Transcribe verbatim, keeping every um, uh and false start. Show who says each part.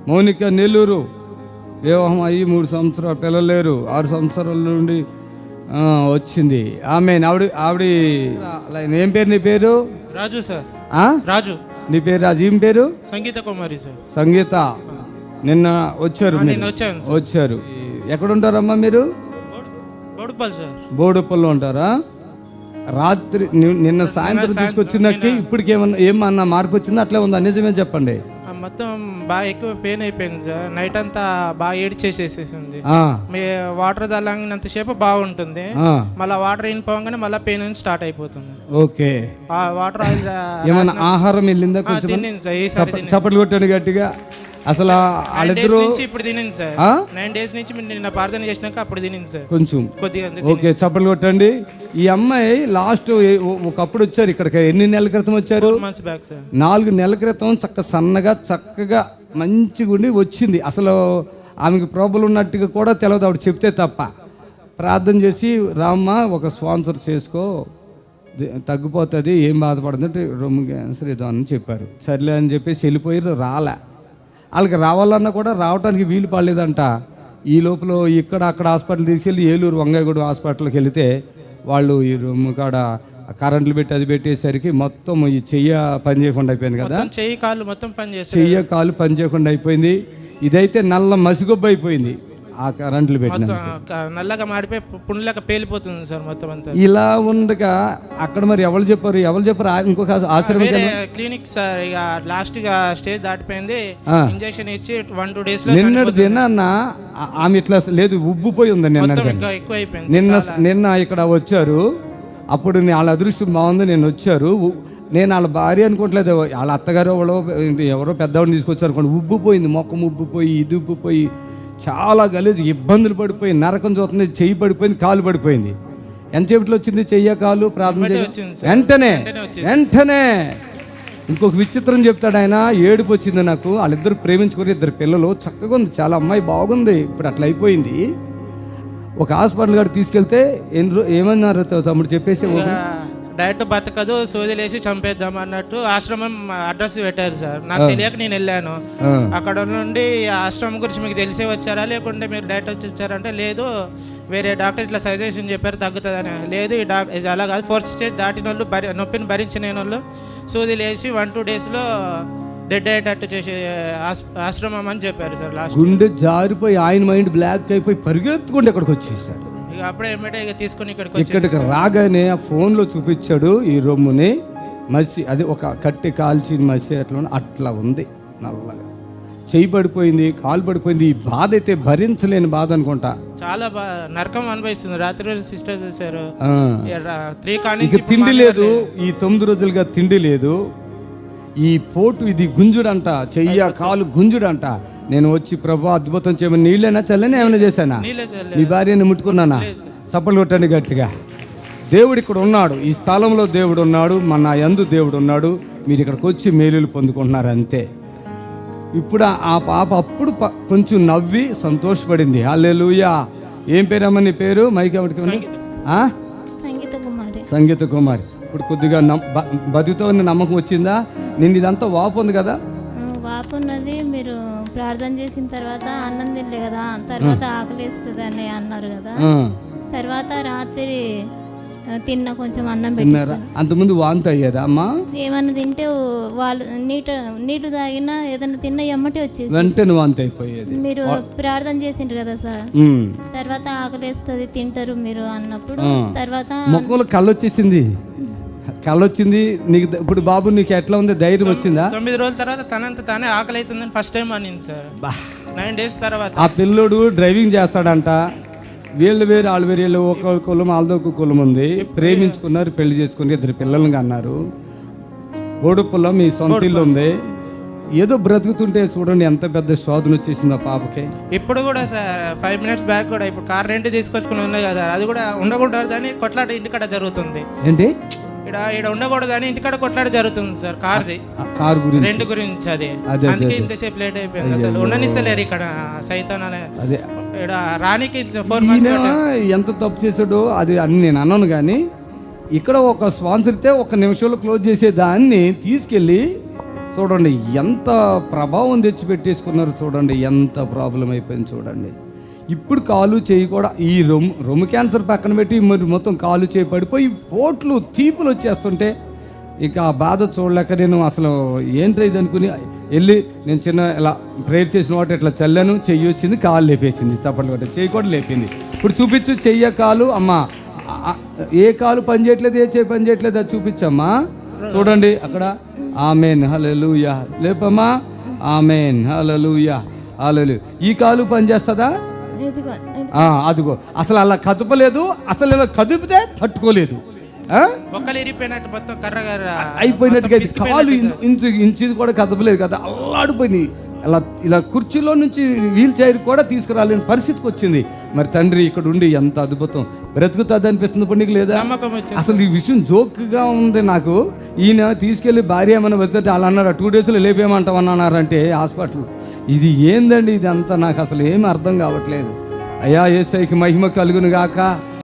Speaker 1: మౌనిక నెల్లూరు, వివాహం అయ్యి మూడు సంవత్సరాలు పిల్లలు లేరు, ఆరు సంవత్సరాల నుండి ఆ, వచ్చింది ఆమె. ఆవిడ ఆవిడ ఏం పేరు? నీ పేరు?
Speaker 2: రాజు సార్.
Speaker 1: ఆ?
Speaker 2: రాజు.
Speaker 1: నీ పేరు రాజు. ఏం పేరు?
Speaker 2: సంగీత కుమారి సార్.
Speaker 1: సంగీత. నిన్న వచ్చారు
Speaker 2: ఆ,
Speaker 1: మీరు?
Speaker 2: నిన్న వచ్చాను సార్.
Speaker 1: వచ్చారు. ఎక్కడ ఉంటారమ్మా మీరు?
Speaker 2: బోడుపల్లి సార్.
Speaker 1: బోడుపల్లిలో ఉంటారా? రాత్రి ని- నిన్న సాయంత్రం తీసుకొచ్చినకి ఇప్పటికి ఏమన్నా ఏమన్నా మార్పు వచ్చిందా? అట్లే ఉందా? నిజమే చెప్పండి.
Speaker 2: ఆ, మొత్తం బాగా ఎక్కువ పెయిన్ అయిపోయింది సార్. నైట్ అంతా బాగా ఏడ్చేసేసేసింది.
Speaker 1: ఆ,
Speaker 2: మీ వాటర్ తల్లంగినంతసేపు బాగుంటుంది,
Speaker 1: ఆ,
Speaker 2: మళ్ళీ వాటర్ అయిన పోగానే మళ్ళీ పెయిన్ స్టార్ట్ అయిపోతుంది.
Speaker 1: ఓకే.
Speaker 2: ఆ వాటర్ ఆయిల్
Speaker 1: ఏమన్నా ఆహారం వెళ్ళిందా కొంచెం?
Speaker 2: తినింది సార్. ఈసారి తినింది.
Speaker 1: చప్పట్లు కొట్టాను గట్టిగా. అసలు
Speaker 2: నైన్
Speaker 1: వాళ్ళిద్దరూ
Speaker 2: డేస్ నుంచి ఇప్పుడు తినింది సార్.
Speaker 1: ఆ?
Speaker 2: నైన్ డేస్ నుంచి మీరు నిన్న ప్రార్థన చేసినాక అప్పుడు తినింది సార్.
Speaker 1: కొంచెం
Speaker 2: కొద్దిగా అంతే
Speaker 1: ఓకే. చప్పట్లు కొట్టండి. ఈ అమ్మాయి లాస్ట్ ఒకప్పుడు వచ్చారు ఇక్కడికి. ఎన్ని నెలల క్రితం వచ్చారు?
Speaker 2: Months back sir.
Speaker 1: నాలుగు నెలల క్రితం చక్క సన్నగా చక్కగా మంచిగా ఉండి వచ్చింది. అసలు ఆమెకి ప్రాబ్లం ఉన్నట్టుగా కూడా తెలియదు ఆవిడ చెప్తే తప్ప. ప్రార్థన చేసి రామ్మ ఒక స్పాన్సర్ చేసుకో, ది- తగ్గిపోతుంది, ఏం బాధపడుతుందంటే రొమ్ము క్యాన్సర్ ఏదో అని చెప్పారు. సర్లే అని చెప్పేసి వెళ్ళిపోయారు. రాలే. వాళ్ళకి రావాలన్నా కూడా రావడానికి వీలు పడలేదంట. ఈ లోపల ఇక్కడ అక్కడ హాస్పిటల్ తీసుకెళ్ళి ఏలూరు వంగాయగూడ హాస్పిటల్కి వెళితే వాళ్ళు ఈ రొమ్ము కాడ కరెంట్లు పెట్టి అది పెట్టేసరికి మొత్తం ఈ చెయ్య పని చేయకుండా అయిపోయింది కదా.
Speaker 2: మొత్తం చెయ్యి కాళ్ళు మొత్తం పని చేస్తారు.
Speaker 1: చెయ్య కాలు పని చేయకుండా అయిపోయింది. ఇదైతే నల్ల మసిగొబ్బ అయిపోయింది ఆ కరెంట్లు పెట్టిన.
Speaker 2: మొత్తం నల్లగా మాడిపోయి పుండ్లక పేలిపోతుంది సార్ మొత్తం అంతా.
Speaker 1: ఇలా ఉండగా అక్కడ మరి ఎవరు చెప్పారు? ఎవరు చెప్పారు? ఆ- ఇంకొక ఆశ్రమం
Speaker 2: వేరే క్లినిక్ సార్. ఇక లాస్ట్ గా స్టేజ్ దాటిపోయింది.
Speaker 1: ఆ.
Speaker 2: ఇంజెక్షన్ ఇచ్చి వన్ టూ డేస్ లో
Speaker 1: నిన్నటి దినాన్న ఆ- ఆమె ఇట్లా లేదు, ఉబ్బిపోయి ఉంది నిన్న.
Speaker 2: మొత్తం ఇంకా ఎక్కువ అయిపోయింది.
Speaker 1: నిన్న నిన్న ఇక్కడ వచ్చారు. అప్పుడు నే- వాళ్ళ అదృష్టం బాగుంది. నేను వచ్చారు. ఉ- నేను వాళ్ళ భార్య అనుకోవట్లేదు, వాళ్ళ అత్తగారు ఎవరో ఎవరో పెద్దవాడిని తీసుకొచ్చారు అనుకోండి. ఉబ్బిపోయింది, మొక్కం ఉబ్బిపోయి ఇది ఉబ్బిపోయి చాలా గలీజు ఇబ్బందులు పడిపోయి నరకం చూస్తుంది. చెయ్యి పడిపోయింది, కాలు పడిపోయింది. ఎంతసేపట్లో వచ్చింది చెయ్య కాలు ప్రార్థన చేయ
Speaker 2: వచ్చింది సార్.
Speaker 1: వెంటనే
Speaker 2: వెంటనే వచ్చేసింది.
Speaker 1: వెంటనే ఇంకొక విచిత్రం చెప్తాడు ఆయన. ఏడుపు వచ్చింది నాకు. వాళ్ళిద్దరు ప్రేమించుకుని ఇద్దరు పిల్లలు చక్కగా ఉంది, చాలా అమ్మాయి బాగుంది. ఇప్పుడు అట్లా అయిపోయింది. ఒక హాస్పిటల్ కాడ తీసుకెళ్తే ఎన్ని రో ఏమన్నారు తమ్ముడు చెప్పేసి
Speaker 2: డైరెక్ట్ బతకదు, సోదిలేసి చంపేద్దాం అన్నట్టు ఆశ్రమం అడ్రస్ పెట్టారు సార్. నాకు తెలియక నేను వెళ్ళాను.
Speaker 1: ఆ.
Speaker 2: అక్కడ నుండి ఆశ్రమం గురించి మీకు తెలిసే వచ్చారా లేకుంటే మీరు డైరెక్ట్ వచ్చి వచ్చారంటే లేదు, వేరే డాక్టర్ ఇట్లా సజెషన్ చెప్పారు తగ్గుతుందని. లేదు, ఈ డాక్టర్ ఇది అలా కాదు, ఫోర్త్ స్టేజ్ దాటిన వాళ్ళు భరి నొప్పిని భరించిన వాళ్ళు సూదిలేసి వన్ టూ డేస్లో డెడ్ అయ్యేటట్టు చేసే ఆస్- ఆశ్రమం అని చెప్పారు సార్. లాస్ట్
Speaker 1: గుండె జారిపోయి ఆయన మైండ్ బ్లాక్ అయిపోయి పరిగెత్తుకుంటే ఇక్కడికి వచ్చేసాడు.
Speaker 2: ఇక అప్పుడే ఏమిటో ఇక తీసుకుని ఇక్కడికి వచ్చి
Speaker 1: ఇక్కడికి రాగానే ఆ ఫోన్లో చూపించాడు ఈ రొమ్ముని. మసి అది ఒక కట్టి కాల్చిన మసి అట్లా ఉంది. అట్లా ఉంది నల్లగా. చెయ్యి పడిపోయింది, కాలు పడిపోయింది. ఈ బాధ అయితే భరించలేని బాధ అనుకుంటా.
Speaker 2: చాలా బా నరకం అనిపిస్తుంది. రాత్రి రోజు సిస్టర్ చూసారు.
Speaker 1: ఆ.
Speaker 2: త్రీ కానీ
Speaker 1: ఇక తిండి లేదు. ఈ తొమ్మిది రోజులుగా తిండి లేదు. ఈ పోటు ఇది గుంజుడంట, చెయ్య కాలు గుంజుడంట. నేను వచ్చి ప్రభా అద్భుతం చేయమని నీళ్ళైనా చల్లని ఏమైనా చేశానా?
Speaker 2: నీళ్ళే చల్లే.
Speaker 1: మీ భార్యని ముట్టుకున్నానా? చప్పలు కొట్టండి గట్టిగా. దేవుడు ఇక్కడ ఉన్నాడు, ఈ స్థలంలో దేవుడు ఉన్నాడు, మన యందు దేవుడు ఉన్నాడు. మీరు ఇక్కడికి వచ్చి మేలులు పొందుకుంటున్నారు అంతే. ఇప్పుడు ఆ పాప అప్పుడు ప- కొంచెం నవ్వి సంతోషపడింది. హల్లెలూయా. ఏం పేరమ్మా నీ పేరు? మైక్ ఎవరికి ఉంది? ఆ?
Speaker 3: సంగీత కుమారి.
Speaker 1: సంగీత కుమారి. ఇప్పుడు కొద్దిగా నమ్ బ- బతుకుతామని నమ్మకం వచ్చిందా? నిన్ను ఇదంతా వాపు ఉంది కదా.
Speaker 3: ఆ, వాపు ఉన్నది. మీరు ప్రార్థన చేసిన తర్వాత అన్నం తినలే కదా, తర్వాత ఆకలిస్తుంది అని అన్నారు కదా.
Speaker 1: ఆ.
Speaker 3: తర్వాత రాత్రి ఆ, తిన్న కొంచెం అన్నం
Speaker 1: తిన్నారా?
Speaker 3: పెట్టి
Speaker 1: అంతకుముందు వాంతి అయ్యేదా అమ్మా?
Speaker 3: ఏమన్నా తింటే వాళ్ళు నీట నీళ్ళు తాగినా ఏదన్నా తిన్న ఎమ్మటి వచ్చేసి
Speaker 1: వెంటనే వాంతి అయిపోయేది.
Speaker 3: మీరు ప్రార్థన చేసిండ్రు కదా సార్.
Speaker 1: ఉమ్.
Speaker 3: తర్వాత ఆకలిస్తుంది తింటారు మీరు అన్నప్పుడు
Speaker 1: ఆ.
Speaker 3: తర్వాత
Speaker 1: ముఖంలో కళ్ళు వచ్చేసింది. కళ్ళు వచ్చింది నీకు. ద- ఇప్పుడు బాబు నీకు ఎట్లా ఉంది? ధైర్యం వచ్చిందా?
Speaker 2: తొమ్మిది రోజుల తర్వాత తనంత తానే ఆకలి అవుతుందని ఫస్ట్ టైం అనింది సార్.
Speaker 1: బా.
Speaker 2: నైన్ డేస్ తర్వాత
Speaker 1: ఆ పిల్లోడు డ్రైవింగ్ చేస్తాడంట. వీళ్ళు వేరు వాళ్ళు వేరు. వీళ్ళు ఒక కులం వాళ్ళదో ఒక కులం ఉంది. ప్రేమించుకున్నారు, పెళ్లి చేసుకుని ఇద్దరు పిల్లల్ని అన్నారు. బోడుపుల్ల మీ సొంత ఇల్లు ఉంది. ఏదో బ్రతుకుతుంటే చూడండి ఎంత పెద్ద శోధన వచ్చేసింది ఆ పాపకి.
Speaker 2: ఇప్పుడు కూడా సార్ ఫైవ్ మినిట్స్ బ్యాక్ కూడా ఇప్పుడు కార్ రెంట్ తీసుకొచ్చుకుని ఉన్నాయి కదా, అది కూడా ఉండకూడదు అని కొట్లాట ఇంటికాడ జరుగుతుంది.
Speaker 1: ఏంటి?
Speaker 2: ఇక్కడ ఇక్కడ ఉండకూడదు అని ఇంటికాడ కొట్లాట జరుగుతుంది సార్. కార్ది
Speaker 1: ఆ కారు గురించి.
Speaker 2: రెంట్ గురించి అది.
Speaker 1: అదే,
Speaker 2: అందుకే
Speaker 1: అదే.
Speaker 2: ఇంతసేపు లేట్ అయిపోయింది. అసలు ఉండనిస్తలేరు ఇక్కడ సైతాన్ అనే.
Speaker 1: అదే
Speaker 2: ఇక్కడ రానికి ఫోర్ మంత్స్
Speaker 1: ఈయన ఎంత తప్పు చేశాడో అది అని నేను అన్నాను. కానీ ఇక్కడ ఒక స్పాన్సర్ ఇస్తే ఒక నిమిషంలో క్లోజ్ చేసే దాన్ని తీసుకెళ్ళి చూడండి ఎంత ప్రభావం తెచ్చిపెట్టేసుకున్నారు, చూడండి ఎంత ప్రాబ్లం అయిపోయింది చూడండి. ఇప్పుడు కాలు చేయి కూడా ఈ రొమ్ము రొమ్ము క్యాన్సర్ పక్కన పెట్టి మరి మొత్తం కాలు చేయి పడిపోయి పోట్లు తీపులు వచ్చేస్తుంటే ఇక ఆ బాధ చూడలేక నేను అసలు ఏంటి ఇది అనుకుని వెళ్ళి నేను చిన్న ఇలా ప్రేయర్ చేసిన వాటి ఇట్లా చల్లాను, చెయ్యి వచ్చింది, కాలు లేపేసింది, చప్పట్లు కొట్టే చెయ్యి కూడా లేపింది. ఇప్పుడు చూపించు చెయ్య కాలు అమ్మ, ఏ కాలు పని చేయట్లేదు, ఏ చేయి పని చేయట్లేదు, అది చూపించమ్మా. చూడండి అక్కడ ఆమెన్ హల్లెలూయా, లేపమ్మా ఆమెన్ హల్లెలూయా హల్లెలూయా. ఈ కాలు పని చేస్తుందా?
Speaker 3: ఇదిగో, ఇది-
Speaker 1: ఆ, అదిగో అసలు అలా కదపలేదు, అసలు ఇలా కదిపితే తట్టుకోలేదు, ఆ?
Speaker 2: బొక్కలు ఇరిగిపోయినట్టు మొత్తం కర్ర కర్ర
Speaker 1: అయిపోయినట్టుగా
Speaker 2: మొత్తం
Speaker 1: ఇది
Speaker 2: పిసికిపోయినట్టు
Speaker 1: కాలు
Speaker 2: సార్.
Speaker 1: ఇంచు ఇంచు కూడా కదపలేదు కదా, అల్లాడిపోయింది. ఇలా ఇలా కుర్చీలో నుంచి వీల్ చైర్ కూడా తీసుకురాలేని పరిస్థితికి వచ్చింది. మరి తండ్రి ఇక్కడ ఉండి ఎంత అద్భుతం, బ్రతుకుతుంది అనిపిస్తుంది ఇప్పుడు నీకు లేదా?
Speaker 2: నమ్మకం వచ్చింది.
Speaker 1: అసలు ఈ విషయం జోక్గా ఉంది నాకు. ఈయన తీసుకెళ్ళి భార్య ఏమైనా వెళ్తే వాళ్ళు అన్నారు టూ డేస్లో లేపేయమంటామని అన్నారంటే హాస్పిటల్. ఇది ఏందండి ఇది అంతా, నాకు అసలు ఏమీ అర్థం కావట్లేదు. అయ్యా యేసయ్యకి మహిమ కలుగును గాక.